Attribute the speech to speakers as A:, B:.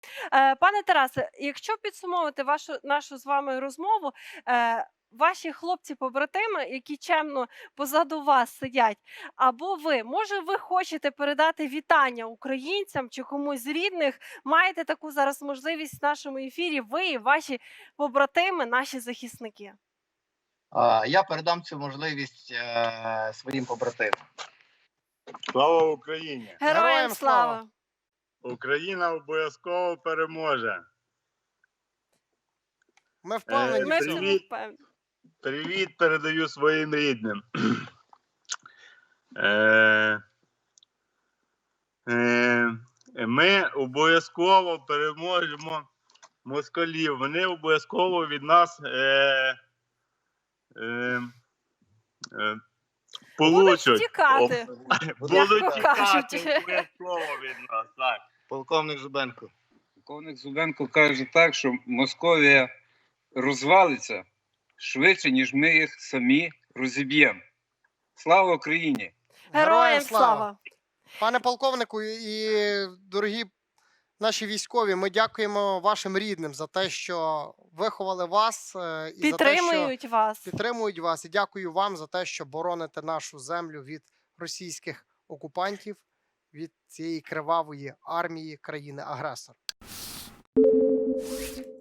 A: Пане Тарасе, якщо підсумовувати нашу з вами розмову, ваші хлопці-побратими, які чемно позаду вас сидять, або ви, може, ви хочете передати вітання українцям чи комусь з рідних, маєте таку зараз можливість в нашому ефірі, ви і ваші побратими, наші захисники.
B: Я передам цю можливість своїм побратимам.
C: Слава Україні!
A: Героям слава!
C: Україна обов'язково переможе.
D: Ми впевнені
A: Ми
D: в
A: в
D: цьому.
A: цьому впевнені.
C: Привіт передаю своїм рідним. Е, Ми обов'язково переможемо москалів. Вони обов'язково від нас
A: Будуть
C: получать.
A: втікати,
C: Будуть
A: м'яко кажучи.
C: тікати обов'язково від нас. Так.
B: Полковник Зубенко.
E: Полковник Зубенко каже так, що Московія розвалиться швидше, ніж ми їх самі розіб'ємо. Слава Україні!
A: Героям слава!
D: Пане полковнику і дорогі наші військові, ми дякуємо вашим рідним за те, що виховали вас і за те, що підтримують вас. І дякую вам за те, що бороните нашу землю від російських окупантів, від цієї кривавої армії країни-агресора.